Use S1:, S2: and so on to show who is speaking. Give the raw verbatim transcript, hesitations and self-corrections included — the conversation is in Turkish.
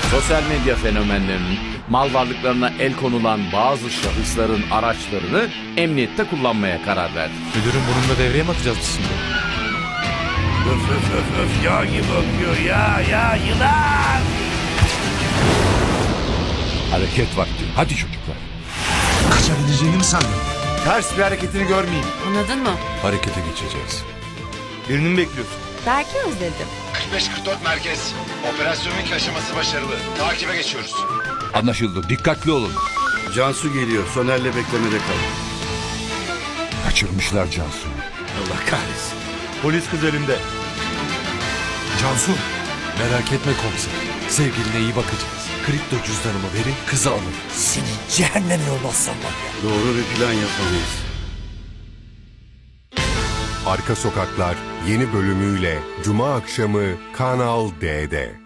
S1: Sosyal medya fenomenlerinin mal varlıklarına el konulan bazı şahısların araçlarını emniyette kullanmaya karar verdi.
S2: Müdürün burnunda devreye mi atacağız biz şimdi?
S3: Öf öf öf öf yağ gibi akıyor ya ya yılan.
S4: Hareket vakti. Hadi çocuklar.
S5: Kaçabileceğini mi sandın?
S4: Ters bir hareketini görmeyeyim.
S6: Anladın mı?
S4: Harekete geçeceğiz.
S5: Birini mi bekliyorsun?
S6: Belki özledim.
S7: kırk beş kırk dört merkez. Operasyonun ilk aşaması başarılı. Takibe geçiyoruz.
S4: Anlaşıldı. Dikkatli olun.
S3: Cansu geliyor. Soner'le beklemede kal.
S4: Kaçırmışlar Cansu'yu.
S3: Allah kahretsin.
S5: Polis kız elinde.
S2: Cansu, merak etme komiser. Sevgiline iyi bakacağız. Kripto cüzdanımı verin, kızı alın.
S5: Seni cehenneme yollasam var ya.
S3: Doğru bir plan yapamayız.
S8: Arka Sokaklar yeni bölümüyle Cuma akşamı Kanal D'de.